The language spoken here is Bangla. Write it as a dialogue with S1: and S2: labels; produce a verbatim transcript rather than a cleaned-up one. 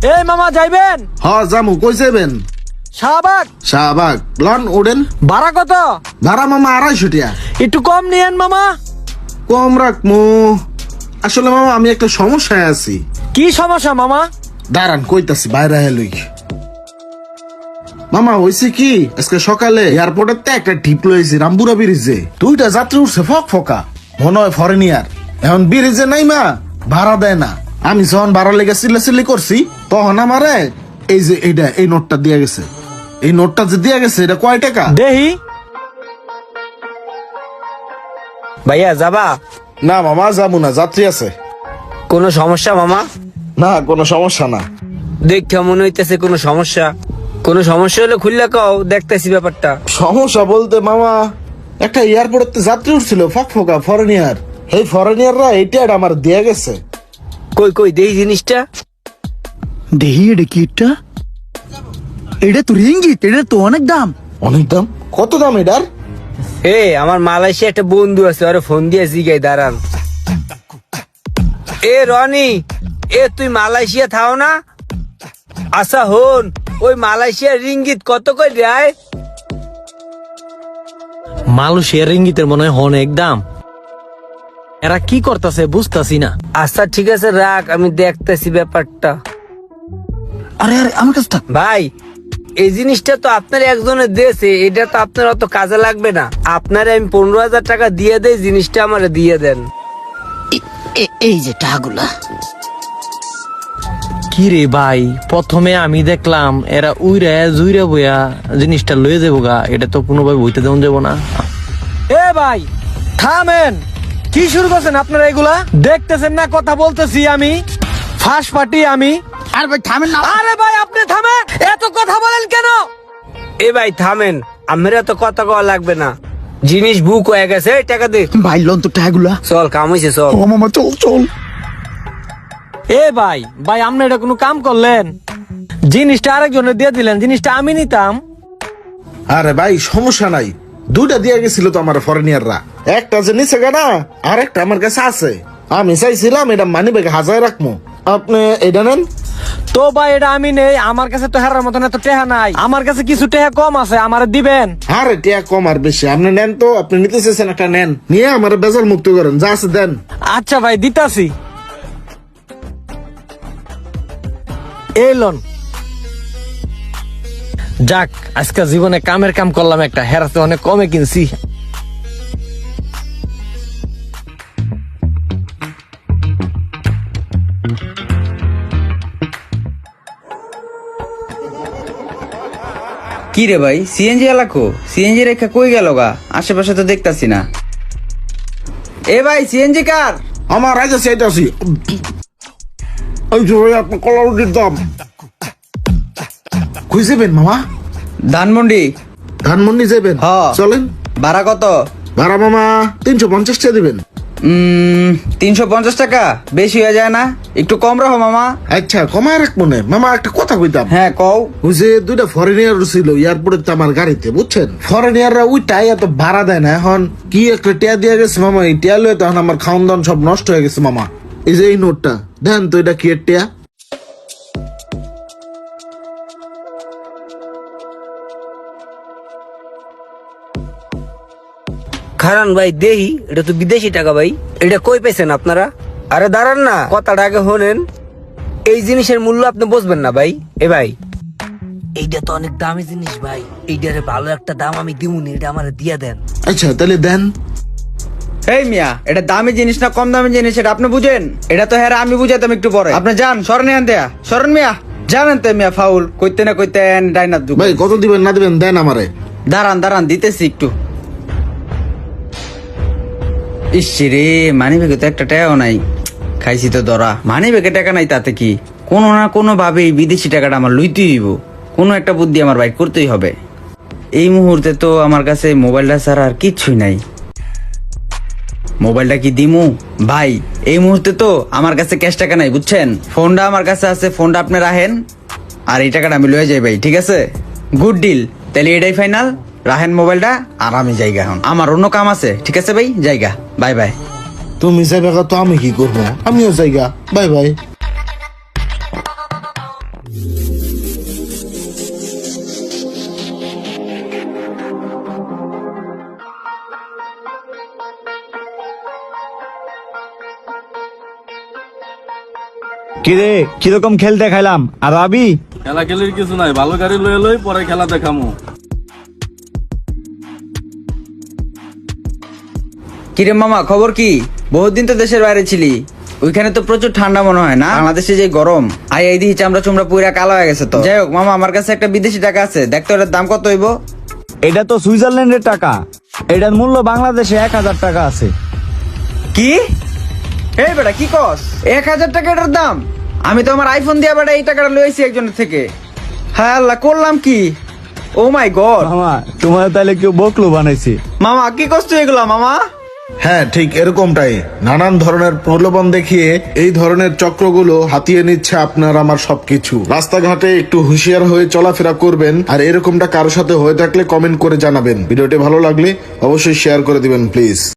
S1: এই মামা যাইবেন?
S2: হ জামু, কই যাবেন?
S1: শাহবাগ।
S2: শাহবাগ লন ওডেন।
S1: ভাড়া কত?
S2: ভাড়া মামা আড়াইশো টিয়া।
S1: একটু কম নিয়েন মামা।
S2: কম রাখমু। আসলে মামা আমি একটা সমস্যায় আছি।
S1: কি সমস্যা মামা?
S2: দাঁড়ান কইতাছি, বাইরে হেলুই। মামা হয়েছে কি, আজকে সকালে এয়ারপোর্টের তে একটা টিপ লয়েছি রামপুরা ব্রিজে। দুইটা যাত্রী উঠছে ফক ফকা, মনে হয় ফরেনিয়ার। এখন ব্রিজে নাই মা, ভাড়া দেয় না। আমি যখন ভাড়া লেগে চিল্লাচিল্লি করছি, তখন আমারে এই যে এইটা এই নোটটা দিয়া গেছে। এই নোটটা যে দিয়া গেছে এটা কয় টাকা?
S1: দেহি ভাইয়া যাবা?
S2: না মামা যাবো না, যাত্রী আছে।
S1: কোনো সমস্যা মামা?
S2: না কোনো সমস্যা না।
S1: দেখে মনে হইতেছে কোনো সমস্যা। কোনো সমস্যা হলে খুললে কও, দেখতেছি ব্যাপারটা।
S2: সমস্যা বলতে মামা, একটা এয়ারপোর্টে যাত্রী উঠছিল ফক ফকা ফরেনিয়ার। এই ফরেনিয়াররা এইটা আমার দিয়া গেছে।
S1: কই কই দেহি জিনিসটা।
S3: দেহি এটা কি? এটা এটা তো রিঙ্গিত, এটা তো অনেক দাম।
S2: অনেক দাম? কত দাম এটার?
S1: এ আমার মালয়েশিয়া একটা বন্ধু আছে, ওরে ফোন দিয়ে জিগাই দাঁড়ান। এ রনি, এ তুই মালয়েশিয়া থাও না? আচ্ছা হন, ওই মালয়েশিয়ার রিঙ্গিত কত কই দেয়?
S4: মালয়েশিয়ার রিঙ্গিতের মনে হয় অনেক দাম। এরা কি করতেছে বুঝতাছি না।
S1: আচ্ছা ঠিক আছে রাখ, আমি দেখতেছি ব্যাপারটা।
S3: আরে আরে আমার কাছে থাক।
S1: ভাই এই জিনিসটা তো আপনার একজনের দিয়েছে, এটা তো আপনার অত কাজে লাগবে না। আপনারে আমি পনেরো হাজার টাকা দিয়ে দেই, জিনিসটা আমারে দিয়ে দেন।
S3: এ- এ- এই যে টাকাগুলা।
S4: কি রে ভাই, প্রথমে আমি দেখলাম এরা উইরা জুইরা বইয়া জিনিসটা লয়ে যাবো গা, এটা তো কোনোভাবে বইতে দেওয়া যাবো না।
S1: এ ভাই থামেন, কি শুরু করছেন আপনারা এগুলা? দেখতেছেন না কথা বলতেছি আমি, ফাঁস পাটি আমি।
S3: আর ভাই থামেন না।
S1: আরে ভাই আপনি থামেন, এত কথা বলেন কেন? এ ভাই থামেন, আমার এত কথা কওয়া লাগবে না। জিনিস বুক হয়ে গেছে, এই টাকা দে।
S3: ভাই লোন তো টাকাগুলা।
S1: চল কাম হইছে চল।
S3: ও মামা চল চল।
S4: এ ভাই ভাই আপনি এটা কোনো কাম করলেন? জিনিসটা আরেকজনের দিয়ে দিলেন, জিনিসটা আমি নিতাম।
S2: আরে ভাই সমস্যা নাই, দুইটা দিয়ে গেছিল তো আমার ফরেনিয়াররা। একটা যে নিচে গানা, আর একটা আমার কাছে আছে। আমি চাইছিলাম এটা মানি ব্যাগে হাজার রাখবো। আপনি এটা নেন।
S4: তো ভাই এটা আমি নেই, আমার কাছে তো হেরার মতন এত টেহা নাই। আমার কাছে কিছু টেহা কম আছে, আমার দিবেন।
S2: আরে টিয়া কম আর বেশি আপনি নেন তো, আপনি নিতে চেয়েছেন একটা নেন, নিয়ে আমার বেজার মুক্ত করেন, যা আছে দেন।
S4: আচ্ছা ভাই দিতাছি। এই লোন। যাক আজকে জীবনে কামের কাম করলাম একটা, হেরাতে অনেক কমে কিনছি।
S5: কি রে ভাই, সিএনজি এলাকো? সিএনজি রেখা কই গেল গা? আশেপাশে তো দেখতাছি না। এ ভাই সিএনজি কার?
S2: আমার রাজা সেটা আছি। ওই যে ভাই আপনার কলা রুটির দাম কই যাবেন মামা?
S5: ধানমন্ডি।
S2: ধানমন্ডি যাবেন?
S5: হ।
S2: চলেন।
S5: ভাড়া কত?
S2: ভাড়া মামা তিনশো পঞ্চাশ টাকা দিবেন।
S5: উম তিনশো পঞ্চাশ টাকা বেশি হয়ে যায় না? একটু কম রাখো মামা।
S2: আচ্ছা কমায় রাখ মনে। মামা একটা কথা কইতাম।
S5: হ্যাঁ কও।
S2: ওই যে দুইটা ফরেনিয়ার ছিল এয়ারপোর্টে আমার গাড়িতে, বুঝছেন? ফরেনিয়াররা ওই টাই এত ভাড়া দেয় না। এখন কি একটা টিয়া দিয়ে গেছে মামা, এই টিয়া লয়ে তখন আমার খাওয়ান দাওয়ান সব নষ্ট হয়ে গেছে মামা। এই যে এই নোটটা দেন তো, এটা কি এর টিয়া?
S1: খারান ভাই দেহি, এটা তো বিদেশি টাকা ভাই। এটা কই পেয়েছেন আপনারা? আরে দাঁড়ান না, কথাটা আগে শোনেন। এই জিনিসের মূল্য আপনি বুঝবেন না ভাই। এ ভাই এইটা তো অনেক দামি জিনিস ভাই, এইটারে ভালো একটা দাম আমি দিমুনি, এটা আমার দিয়া দেন।
S2: আচ্ছা তাহলে দেন।
S5: এই মিয়া, এটা দামি জিনিস না কম দামি জিনিস এটা আপনি বুঝেন? এটা তো হ্যাঁ আমি বুঝাইতাম একটু পরে। আপনি যান, সরেন এখান থেকে, সরেন মিয়া। জানেন তো মিয়া ফাউল কইতে না কইতেন ডাইনার দুঃখ।
S2: ভাই কত দিবেন না দিবেন দেন আমারে।
S5: দাঁড়ান দাঁড়ান দিতেছি একটু। ইসি রে, মানি ব্যাগে তো একটা টাকাও নাই। খাইছি তো ধরা। মানি ব্যাগে টাকা নাই তাতে কি, কোনো না কোনো ভাবে এই বিদেশি টাকাটা আমার লইতেই হইব। কোনো একটা বুদ্ধি আমার বাইর করতেই হবে। এই মুহূর্তে তো আমার কাছে মোবাইলটা ছাড়া আর কিচ্ছুই নাই। মোবাইলটা কি দিমু ভাই? এই মুহূর্তে তো আমার কাছে ক্যাশ টাকা নাই, বুঝছেন? ফোনটা আমার কাছে আছে, ফোনটা আপনি রাখেন আর এই টাকাটা আমি লয়ে যাই ভাই, ঠিক আছে? গুড ডিল, তাহলে এটাই ফাইনাল। রাখেন মোবাইলটা আর আমি জায়গা, এখন আমার অন্য কাম আছে, ঠিক আছে ভাই? জায়গা, বাই বাই।
S2: তুমি যাবে তো আমি কি করবো? আমিও জায়গা, বাই বাই।
S6: কিরে কিরকম খেল দেখাইলাম আর আবি
S7: খেলা খেলির কিছু নাই, ভালো গাড়ি লয়ে লই পরে খেলা দেখামু।
S5: কিরে মামা খবর কি? বহুত দিন তো দেশের বাইরে ছিলি, ওইখানে তো প্রচুর ঠান্ডা মনে হয় না? বাংলাদেশে যে গরম, আই আই দিহি চামড়া চুমড়া পুরা কালো হয়ে গেছে তো। যাই হোক মামা, আমার কাছে একটা বিদেশি টাকা আছে, দেখতো এটার দাম কত হইব?
S6: এটা তো সুইজারল্যান্ডের টাকা, এটার মূল্য বাংলাদেশে এক হাজার টাকা আছে।
S5: কি? এই বেটা কি কস? এক হাজার টাকা এটার দাম? আমি তো আমার আইফোন দিয়ে বেটা এই টাকাটা লইছি একজনের থেকে। হ্যাঁ আল্লাহ, করলাম কি? ও মাই গড
S6: মামা তোমার তাহলে কেউ বকলো বানাইছে।
S5: মামা কি কষ্ট এগুলা মামা?
S2: হ্যাঁ ঠিক এরকমটাই, নানান ধরনের প্রলোভন দেখিয়ে এই ধরনের চক্রগুলো হাতিয়ে নিচ্ছে আপনার আমার সবকিছু। রাস্তাঘাটে একটু হুঁশিয়ার হয়ে চলাফেরা করবেন, আর এরকমটা কারোর সাথে হয়ে থাকলে কমেন্ট করে জানাবেন। ভিডিওটি ভালো লাগলে অবশ্যই শেয়ার করে দিবেন প্লিজ।